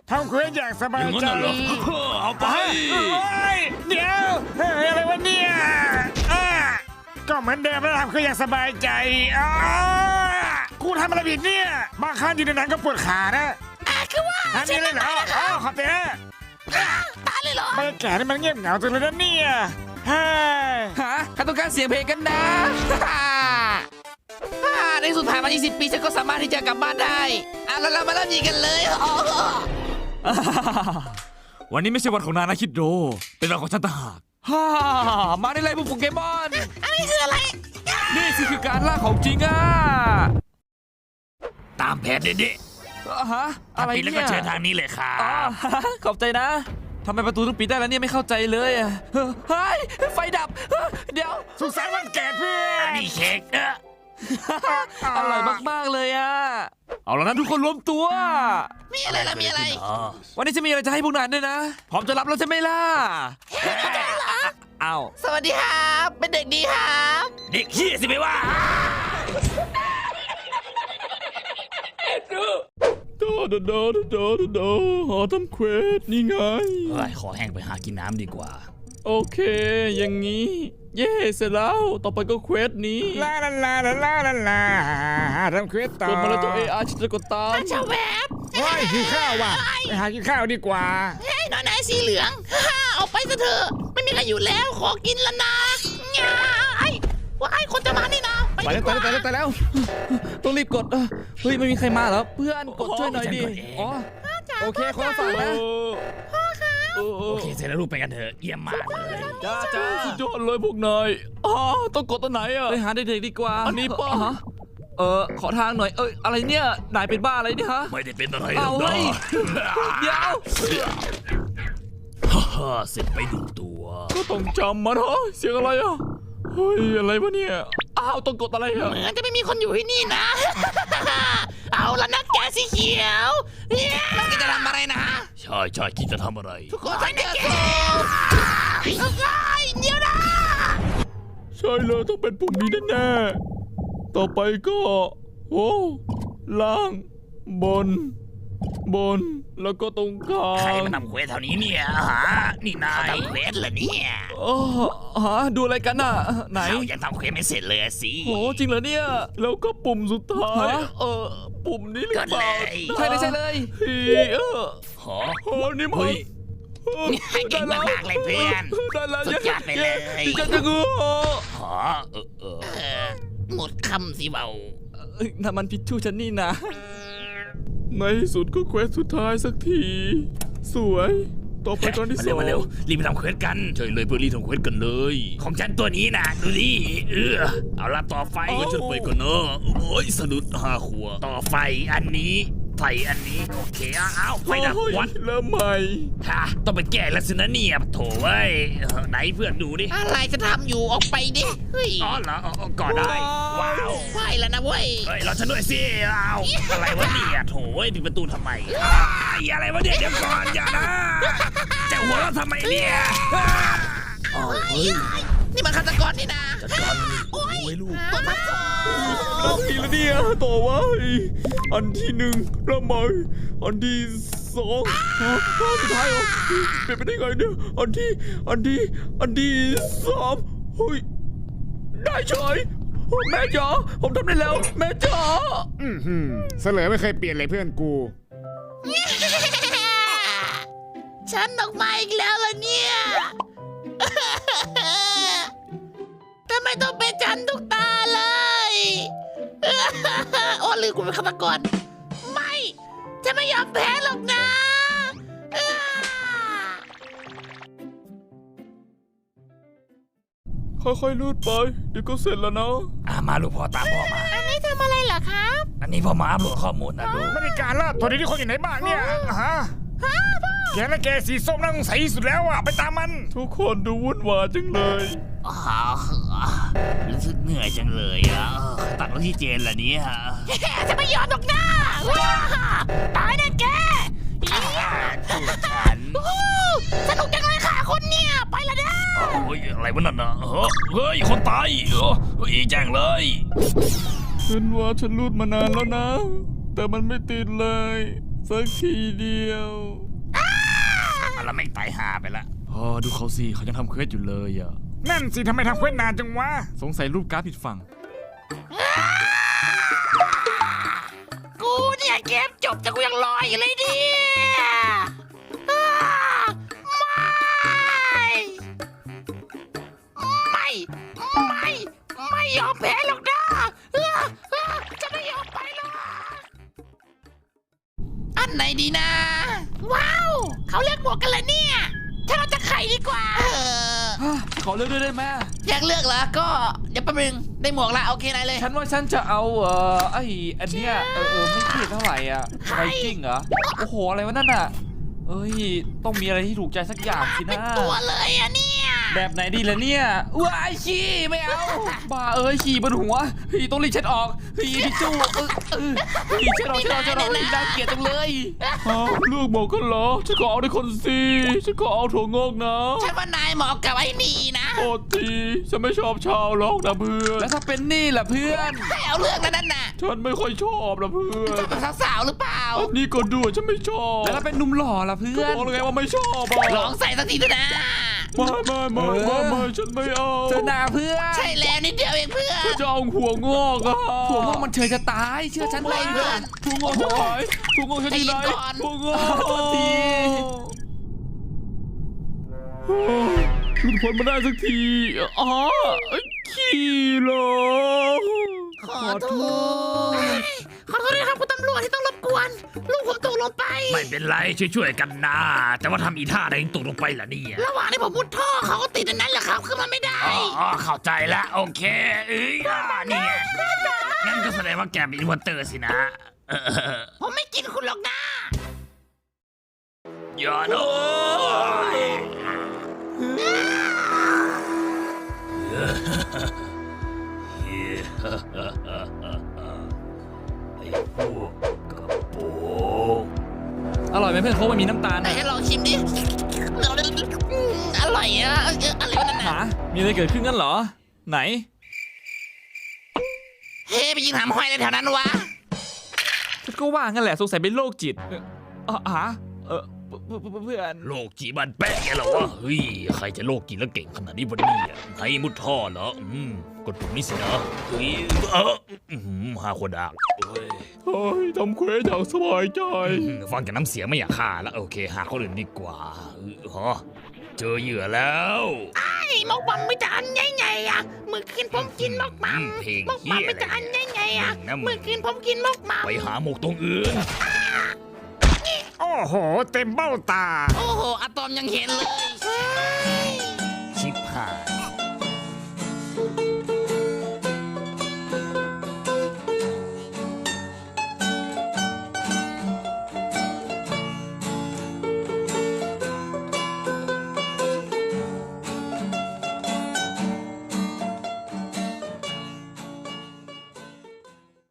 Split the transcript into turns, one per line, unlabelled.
ทำเควสอย่างสบายใจ
เอาไป
เดี๋ยวอะไรวะเนี่ยก็เหมือนเดิมแล้วทำเควสอย่างสบายใจกูทำอะไรผิดเนี่ยบางครั้งอยู่ในนั้นก็ปวดขานะ
คือว่า
ทำนี่เลยเหรอขอบใจนะ
ตายเลยเหรอบ
รรยากาศนี่มันเงียบเหงาจังเลยนะเนี่ย
ฮะข้าต้องการเสียงเพลงกันนะในสุดผ่านมา20 ปีฉันก็สามารถที่จะกลับบ้านได้แล้วเรามาเริ่มยิงกันเลย
วันนี้ไม่ใช่วันของนายนะคิดโดเป็นวันของฉันต่างหาก
มาได้เลยพวกโปเกมอน
อันนี้คืออะไร
นี่สิคือการล่าของจริง
ตามแผนเด็ดๆ
อะไร
ปิดแล้วก็
เนี่ย
เชิญทางนี้เลยค่ะ
ขอบใจนะทำไมประตูต้องปิดได้แล้วเนี่ยไม่เข้าใจเลยเฮ้ยไฟดับเดี๋ยว
สุขสันต์วันเกิดเพื่อน
นี่เค้ก
อร่อยมากๆเลยเอาแล้วนะทุกคนรวมตัว
มีอะไรล่ะมีอะไร
วันนี้จะมีอะไรจะให้พวกนายด้วยนะพร้อมจะรับแล้วใช่ไหมล่ะอ้าว
สวัสดีครับเป็นเด็กดีครับ
เด็กขี้สิไม่ว่า
หาทำเควสนี่ไง
ขอแห้งไปหากินน้ำดีกว่า
โอเค อย่างนี้ เย่เสร็จแล้ว ต่อไปก็เควสนี้
ลาทำเควสต่อก
ดมาแล้วตัว AR ฉันจะกดตาม
ชาแวบ
ว้ายหิวข้าวว่ะไปหากินข้าวดีกว่า
เฮ้ยน้อยนายสีเหลืองเอาไปซะเถอะไม่มีใครอยู่แล้วขอกินแล้วนะว่าไอ้คนจะมานี่นะ
ไปแล้วต้องรีบกดเฮ้ยไม่มีใครมาเหรอเพื่อนกดช่วยหน่อยดิโอเคคนละฝั่งนะ
โอเคเสร็จแล้วลูกไปกันเถอะเยี่ยมมากเลย
จ้า
สุดยอดเลยพวกนายต้องกดตัวไหน
ไปหาเด็กๆดีกว่า
อันนี้ป่ะ
ขอทางหน่อยอะไรเนี่ยนายเป็นบ้าอะไรเนี่ยฮะ
ไม่ได้เป็นอะไรหร
เอา
อก
เฮ้ยเดี๋ยว
เสร็จไปดูตัว
ก็ต้องจำมันเสียงอะไรเฮ้ยอะไรวะเนี่ยต้องกดอะไร
เหมือนจะไม่มีคนอยู่ที่นี่นะ เอาละนะแกสีเขียวมันจะทำอะไรนะ
ใช่คิดจะทำอะไร
ทุกคนใส่แกเดี๋ยวนะ
ใช่เลยต้องเป็นปุ่มนี้แน่ๆต่อไปก็ล่างบนแล้วก็ตรงกลาง
ใครมาทำเควสแถวนี้เนี่ยนี่นายทำเควสเหรอเนี่ย
ดูอะไรกันน่ะไหน
เขายังทำเควสไม่เสร็จเลยสิ
โหจริงเหรอเนี่ย
แล้วก็ปุ่มสุดท้ายปุ่มนี้หรือเปล่า
ใช่เลย
นี่มัน
เก่งมากเลยเพื่อนสุดยอดไปเลย
จะงู
หมดคำสิเบา
นั่นมันพิชชูฉันนี่นะ
ในที่สุดก็เควสสุดท้ายสักที สวยต่อไปตอนที่
มาเร็วรีบไปทำเควสกันใช่เลยเพื่อรีบทำเควสกันเลยของฉันตัวนี้นะดูดิเอาละต่อไฟก็ช่วยไปก่อนเนอะโอ้ยสะดุด5 ขวบต่อไฟอันนี้ไฟอันนี้โอเคเอาไฟดับวัด
เริ่มใหม่
ต้องไปแก้แล้วสินะเนี่ยโถเว้ยไหนเพื่อนดูดิ
อะไรจะทำอยู่ออกไปดิเฮ้ย
เหรอก็ได้ว้าว
ไปแล้วนะเว้ย
เฮ้ยเราฉันด้วยสิเอาอะไรวะเนี่ยโถเว้ยปิดประตูทำไมอะไรวะเนี่ยเดี๋ยวก่อนอย่านะจะหัวเราะทำไมเนี่ย
นี่มันฆาตกรนี่นะ
จัดการโอ้ยลูก
ตัวทับซ้อน
ทีละเนี่ยต่อไว้อันที่1เริ่มใหม่อันที่2สุดท้ายเป็นไปได้ไงเนี่ยอันที่3เฮ้ยได้เฉยแม่จ๋าผมทำได้แล้วแม่จ๋า
เสลอไม่เคยเปลี่ยนเลยเพื่อนกู
ฉันออกมาอีกแล้วล่ะเนี่ยทำไมต้องเป็นฉันทุกตาเลยโอ้ลืมกูเป็นฆาตกรไม่ฉันไม่ยอมแพ้หรอกนะ
ค่อยๆลูดไปเดี๋ยวก็เสร็จแล้วนะ
มาลูกพ่อตามพ่อมา
อันนี้ทำอะไรเหรอครับ
อันนี้พ่อมาอัปโหลดข้อมูลนะลูก
ไม่ได้การละตอนนี้คนอยู่ไหนบ้างเนี่ยแกและแกสีส้มน่าสงสัยสุดแล้วไปตามมัน
ทุกคนดูวุ่นวายจังเลย
รู้สึกเหนื่อยจังเลยตัดรถที่เจนละนี้ฮะ
จะไม่ยอมหรอกนะตายแน่แก
ฉัน
สนุกจังเลยค่ะคนเนี่ยไปละนะ
โอ้ยอะไรวะนั่นนะเฮ้ยคนตายแจ้งเลย
ฉันว่าฉันรูดมานานแล้วนะ แต่มันไม่ติดเลยสักทีเดียว
อะไรไม่ตายหาไปละ
ดูเขาสิเขายังทำเควสอยู่เลยอ่ะ
นั่นสิทำไมทำเควสนานจังวะ
สงสัยรูปการ์ดผิดฝั่ง
กูเนี่ยเกมจบแต่กูยังรออยู่เลยดิไม่ยอมแพ้หรอกนะจะไม่ยอมไปหรอกอันไหนดีนะ ว้าวเขาเลือกหมวกกันเลยเนี่ยถ้าเราจะไขดีกว่า
ขอเลือกด้วยได้ไหม
อยากเลือกเหรอก็เดี๋ยวแป๊บนึงได้หมวกละโอเคนายเลย
ฉันว่าฉันจะเอาไอ้อันเนี้ยไม่ผิดเท่าไหร่อ่ะไวกิ้งเหรอโอ้โหอะไรวะนั่นอ่ะเอ้ยต้องมีอะไรที่ถูกใจสักอย่างสิ
เป็น
นะ
ตัวเลยอะเนี่ย
แบบไหนดีล่ะเนี่ยว้ายขี้ไม่เอาบ้าขี้บนหัวต้องรีบเช็ดออกทิชชู่เช็ดออกน่าเกลียดจังเลย
เลือกหมอกันเหรอฉันขอเอาในคนสิฉันขอเอาถั่วงอกนะ
ฉันว่านายเหมาะกับไอ้นี่นะ
โอ้ทีฉันไม่ชอบชาวล็อกนะเพื่อน
แล้วถ้าเป็นนี่ล่ะเพื่อน
ให้เอาเรื่องนั้นน่ะ
ฉันไม่ค่อยชอบนะเพื่อน
เป็นสาวๆหรือเปล่า
อันนี้ก็ด้วยฉันไม่ชอบ
แล้วถ้าเป็นหนุ่มหล่อล่ะเพื่อน
บอกเลยไงว่าไม่ชอบอ่ะ
ลองใส่สักทีเถอะนะ
ไม่ฉันไม่เอา
เจอหน้าเพื่อน
ใช่แล้วนิดเดียวเองเพื่อน
ฉันจะเอาหัวงอกอ่ะ
ถั่วงอกมันเฉยจะตายเชื่อฉันเลย
เพื่อน
ถั่วงอกที่ไหนถั่วงอกฉันที่ไหน
ใจเย็นก่อน
ถั่วงอก
โทษที
หลุดพ้นมาได้สักทีขี้เหรอ
ขอโทษด้วยครับคุณตำรวจที่ต้องรบกวนลูกผมตกลงไป
ไม่เป็นไรช่วยๆกันนะแต่ว่าทำอีท่าอะไรตกลงไปล่ะเนี่ย
ระหว่างที่ผมมุดท่อเขาก็ติดอันนั้นแหละครับคือมันไม่ได้
อ๋อเข้าใจแล้วโอเคนี่ไงงั้นก็แสดงว่าแกเป็นอินเวอร์เตอร์สินะ
ผมไม่กินคุณหรอกนะ
อย่านะไอ้พวกกระโปง
อร่อยไหมเพื่อนโค้กมันมีน้ำตาล
ไหนให้ลองชิมดิอร่อยอะอะไรวะนั่น
หา
น่ะ
มีอะไรเกิดขึ้นกันเหรอไหน
เฮ้ไปยิงหามห้อยอะไรแถวนั้นวะ
ฉันก็ว่างั้นแหละสงสัยเป็นโรคจิตเพื่อน
โลกจีบันแป๊ะแกเหรอวะเฮ้ยใครจะโลกจีแล้วเก่งขนาดนี้วันนี้ไงมุดท่อเหรอกดปุ่มนี้สินะเฮ้ยหาคนดักเฮ้ย
เฮ้ยทำเควสอย่างสบายใจ
ฟังจากน้ำเสียงไม่อยากฆ่าแล้วโอเคหาคนอื่นดีกว่าเจอเหยื่อแล้ว
ไอ้มกบัมไม่จะอันใหญ่ๆอะเมื่อคืนผมกินมกบัม
เพลง
มกบัมไม่จะอันใหญ่ๆอะเมื่อคืนผมกินมกบัม
ไปหาหมกตรงอื่น
โอ้โห เต็มเบ้าตา
โอ้โหอะตอมยังเห็นเลย